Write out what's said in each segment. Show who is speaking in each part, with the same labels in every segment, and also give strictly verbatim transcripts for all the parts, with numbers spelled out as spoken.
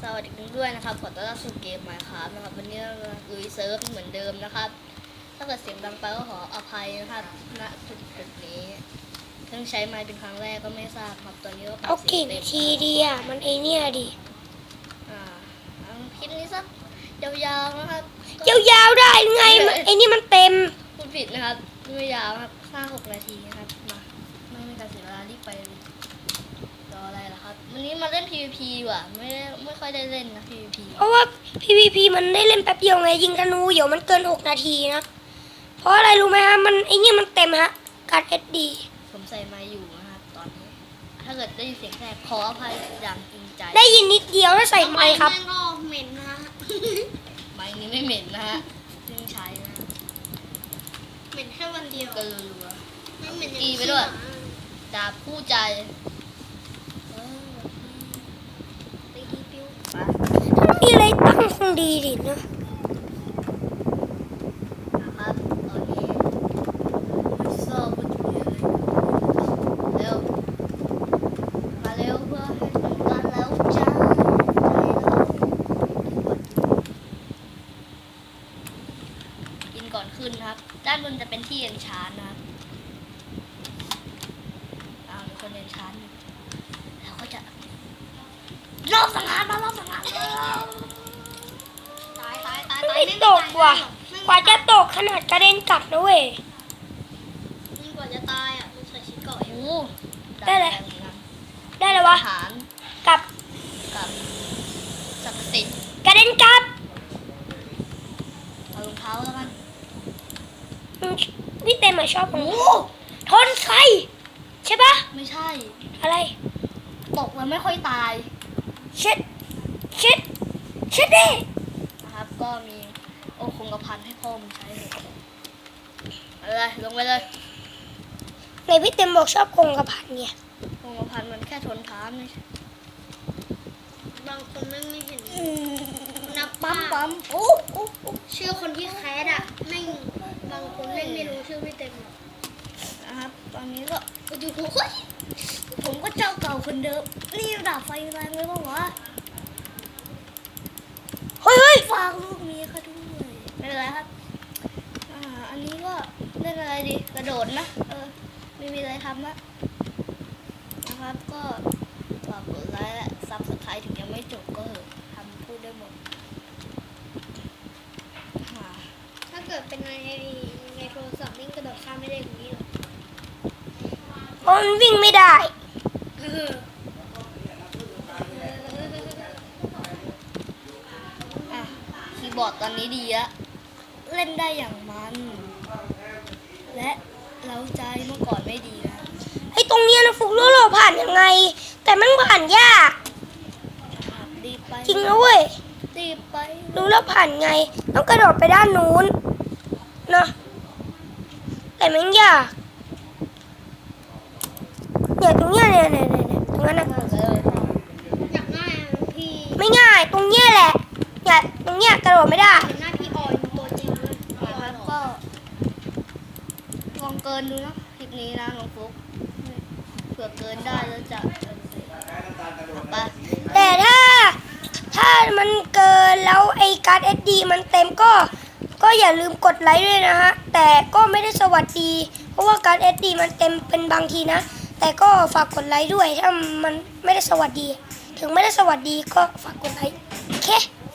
Speaker 1: สวัสดีด้วยนะครับขอต้อนรับสู่เกมใหม่ครับนะครับวันนี้เราลุยเซิร์ฟเหมือนเดิมนะครับถ้าเกิดเสียงดังไปก็ขออภัยนะครับณจุดจุดนี้เพิ่งใช้ไมค์เป็นครั้งแรกก็ไม่ทราบครับตอนนี้ก็
Speaker 2: เอากี่นาทีดีอ่ะมันไอเนี่ยดิ
Speaker 1: อ่าเอาคลิปนี้สักยาวๆนะครับ
Speaker 2: ยาวๆได้ไงมันไอนี่มันเต็ม
Speaker 1: พูดผิดนะครับไม่ยาวครับห้าหกนาทีนะครับมาไม่มีการเสียเวลารีบไปเลยรออะไรล่ะครับวันนี้มาเล่น พี วี พี ว่ะไม่ได้ไม่ค่อยได้เล่นนะ พี วี พี
Speaker 2: เพราะว่า พี วี พี มันได้เล่นแป๊บเดียวไงยิงธนูเดี๋ยวมันเกินหกนาทีนะเพราะอะไรรู้ไหมฮะมันไอเนี่ยมันเต็มฮะการ เอส ดี
Speaker 1: ผมใส่ไมค์อยู่นะครับตอนนี้ถ้าเกิดได้ยินเสียงแทรกขออภัยอย่างจริงใจ
Speaker 2: ได้ยินนิดเดียวถ้าใส่ไมค์ครับ
Speaker 3: แม่งก็เหม็นนะฮะ
Speaker 1: ไมค์นี้ไม่เหม็นนะฮะเพิ่งใช้นะ
Speaker 3: เหม็นแค่วันเดียว
Speaker 1: ก็รัว
Speaker 3: ไม่เหม็น
Speaker 1: ๆตีไปด้วยดาบคู่ใจเออตีดีปิ้วไป
Speaker 2: ถ้ามีอะไรตั้งคงดีดินะ
Speaker 1: นะครับตอนนี้โซ่บุญเร็วเร็วมาเร็วเพื่อให้ทำการแล้วจ้ากินก่อนขึ้นครับด้านบนจะเป็นที่เอ็นชานนะครับอ้าวมีคนเอ็นชานแล้วก็จะรอบสังหารมารอบสังหารแล้ว
Speaker 3: ตายตายตายตาย
Speaker 2: ไม่ตกว่ะกว่าจะตกขนาดกระเด็นกลับนะเว้ย
Speaker 3: นี่กว่าจะตายอ่ะมันใส่ชิ้นเกาะอยู่
Speaker 1: โอ้
Speaker 2: ได้เลยได้เลยวะ
Speaker 1: ฐาน
Speaker 2: กลับ
Speaker 1: กับศักดิ์สิทธิ์
Speaker 2: กระเด็นกลับ
Speaker 1: เอารองเท้าแล้วกัน
Speaker 2: อืมพี่เต็มอะชอบของทนไฟใช่ปะ
Speaker 1: ไม่ใช่
Speaker 2: อะไร
Speaker 1: ตกแล้วไม่ค่อยตาย
Speaker 2: เช็ดเช็ดเช็ดดิ
Speaker 1: นะครับก็มีโอคงกระพันให้พ่อมึงใช้เลยเอาเลยลงไปเลย
Speaker 2: ในพี่เต็มบอกชอบคงกระพันเนี่ย
Speaker 1: คงกระพันมันแค่ทนทานไม่ใช่
Speaker 3: บางคนไม่ไม่เห็นนับ
Speaker 1: ปั๊มปั๊มโอ้โอ้โอ้
Speaker 3: ชื่อคนที่แคสอ่ะไม่บางคนเล่นไม่รู้ชื่อพี่เต็มหรอก
Speaker 1: นะครับตอนนี้ก็
Speaker 3: โอ้โหเฮ้ย
Speaker 1: ผมก็เจ้าเก่าคนเดิมนี่ดาบไฟแรงเลยป่าวะ
Speaker 2: เฮ้ยเฮ้ย
Speaker 1: ฝากลูกเมียเขาด้วยไม่เป็นไรครับอ่าอันนี้ก็เล่นอะไรดีกระโดดนะเออไม่มีอะไรทำละนะครับก็ฝากกดไลค์และซับสไครต์ถึงยังไม่จบก็เถอะทำพูดได้หมดอ่า
Speaker 3: ถ้าเกิดเป็นในในโทรศัพท์นี่กระโดดข้ามไม่ได้อย่างนี้หรอก
Speaker 2: เพราะมันวิ่งไม่ได้
Speaker 3: เออ
Speaker 1: อ่ะคีย์บอร์ดตอนนี้ดีอะเล่นได้อย่างมัน และเร้าใจเมื่อก่อนไม่ดีนะ
Speaker 2: ไอ้ตรงเนี้ยนะฟุกรู้เราผ่านยังไง แต่มันผ่านยาก
Speaker 1: รีบไป
Speaker 2: จริงนะเว้ย
Speaker 1: รีบไป
Speaker 2: รู้แล้วผ่านไง ต้องกระโดดไปด้านนู้นนะแต่มันยากเนี่ยตรงเนี้ยเนี่ยเนี่ยเนี่ยตรงนั้นนะ
Speaker 1: เลย
Speaker 3: อยากง่ายอะพี่
Speaker 2: ไม่ง่ายตรงเนี้ยแหละเนี่ยตรงเนี้ยกระโดดไม่ได้
Speaker 3: เป็นหน้าพี่ออยตัวจริงเลย
Speaker 1: นะครับก็ลองเกินดูนะคลิปนี้นะน้องฟุ๊กเผื่อเกินได้แล้วจะไป
Speaker 2: แต่ถ้าถ้ามันเกินแล้วไอ้การ์ด เอส ดี มันเต็มก็ก็อย่าลืมกดไลค์ด้วยนะฮะแต่ก็ไม่ได้สวัสดี เพราะว่าการ์ด เอส ดี มันเต็มเป็นบางทีนะแต่ก็ฝากกดไลค์ด้วยถ้ามันไม่ได้สวัสดี ถึงไม่ได้สวัสดีก็ฝากกดไลค์โอเค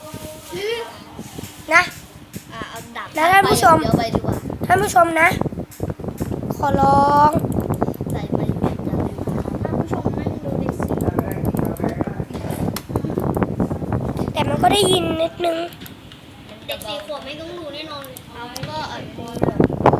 Speaker 2: นะ
Speaker 1: อ่ะเอาดับ
Speaker 2: แล้วท่านผู้ชม
Speaker 1: เดี๋ยวไปดีกว่า
Speaker 2: ท่านผู้ชมนะ ขอร้อง
Speaker 1: ใส่ไปอย่าลืมนะครับ
Speaker 3: ท่านผู้ชมแม่งดูเด็กสิ
Speaker 2: แต่มันก็ได้ยินนิดนึง
Speaker 3: เด็กสี่ขวบไม่ต้องดูแน่นอนเลย
Speaker 1: เอาก็อัดมือแบบ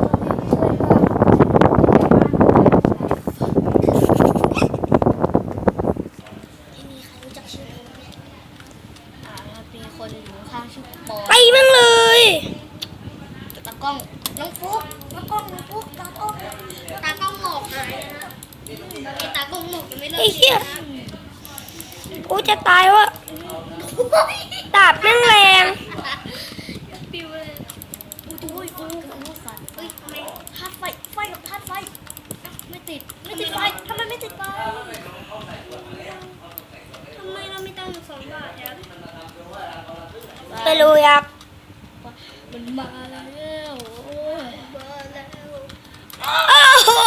Speaker 3: ไม่มีใครรู้จักชื่อผมไหม
Speaker 1: อ่ามีคนอยู่ข้างชื่อปอ
Speaker 2: ไปมั่งเลย
Speaker 1: ตากล้องน้องฟุ๊กน้องกล้องน้องฟุ๊กตากล้อง
Speaker 3: ตากล้องหมอกหายนะไอ้ตากล้องหมอกยังไม่เลิก
Speaker 2: ไอ้เหี้ย
Speaker 3: นะ
Speaker 2: กูจะตายวะดาบแม่งแรง
Speaker 3: ปิวเลย
Speaker 1: โอ้ยโอ้ยโอ้ยสัตว์
Speaker 3: เฮ้ยทำไม
Speaker 1: ธาตุไฟไฟกับธาตุไฟอ่ะไม่ติดไม่ติดไฟทำไมไม่ติดไฟ
Speaker 3: ทำไมเราไม่ตั้งสองบาทเนี่ย
Speaker 2: ไม่รู้ครับ
Speaker 1: มันมาแล้วโอ้ย
Speaker 3: มาแล้ว
Speaker 2: โอ้โห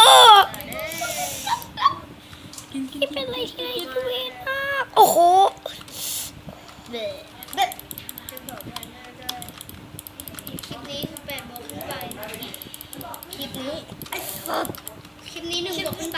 Speaker 1: กินกิน
Speaker 2: นี่เป็นอะไรที่น่าอิจฉามากโอ้โห
Speaker 1: เด็ดเด็ด
Speaker 3: จะบอกว่าน่าจะคลิปนี้คือแปดโมงขึ้นไป
Speaker 1: คลิปนี้
Speaker 3: คลิปนี้หนึ่งโมงขึ้นไป